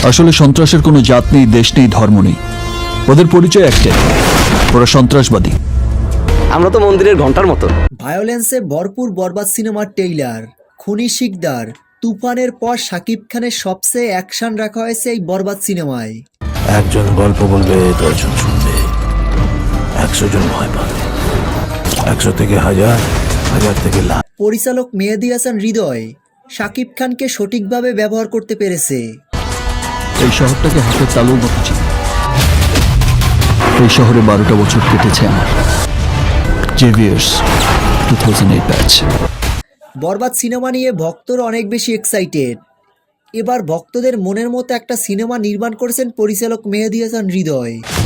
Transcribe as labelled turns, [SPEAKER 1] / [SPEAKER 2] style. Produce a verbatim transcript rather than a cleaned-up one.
[SPEAKER 1] আসলে সন্ত্রাসের কোনো জাত নেই, দেশ নেই, ধর্ম নেই। ওদের পরিচয় একটাই, ওরা সন্ত্রাসবাদী।
[SPEAKER 2] আমরা তো মন্দিরের ঘন্টার মতো।
[SPEAKER 3] ভায়োলেন্সে ভরপুর বরবাদ সিনেমার টেইলার, খুনি শিকদার, তুফানের পর শাকিব খানের সবচেয়ে অ্যাকশন রাখা হয়েছে এই বরবাদ সিনেমায়।
[SPEAKER 4] একজন গল্প বলবে, দশজন শুনবে, একশো জন ভয় পাবে, একশো থেকে হাজার, হাজার থেকে লাখ।
[SPEAKER 3] পরিচালক মেহেদী হাসান হৃদয় শাকিব খানকে সঠিকভাবে ব্যবহার করতে পেরেছে।
[SPEAKER 1] এই শহরটাকে হাতের তালুর মতো চিনি। এই শহরে বারোটা বছর কেটেছে আমার। Xavier's two thousand eight batch.
[SPEAKER 3] Borbaad cinema নিয়ে ভক্তরা অনেক বেশি এক্সাইটেড। এবার ভক্তদের মনের মতো একটা সিনেমা নির্মাণ করেছেন পরিচালক মেহেদী হাসান হৃদয়।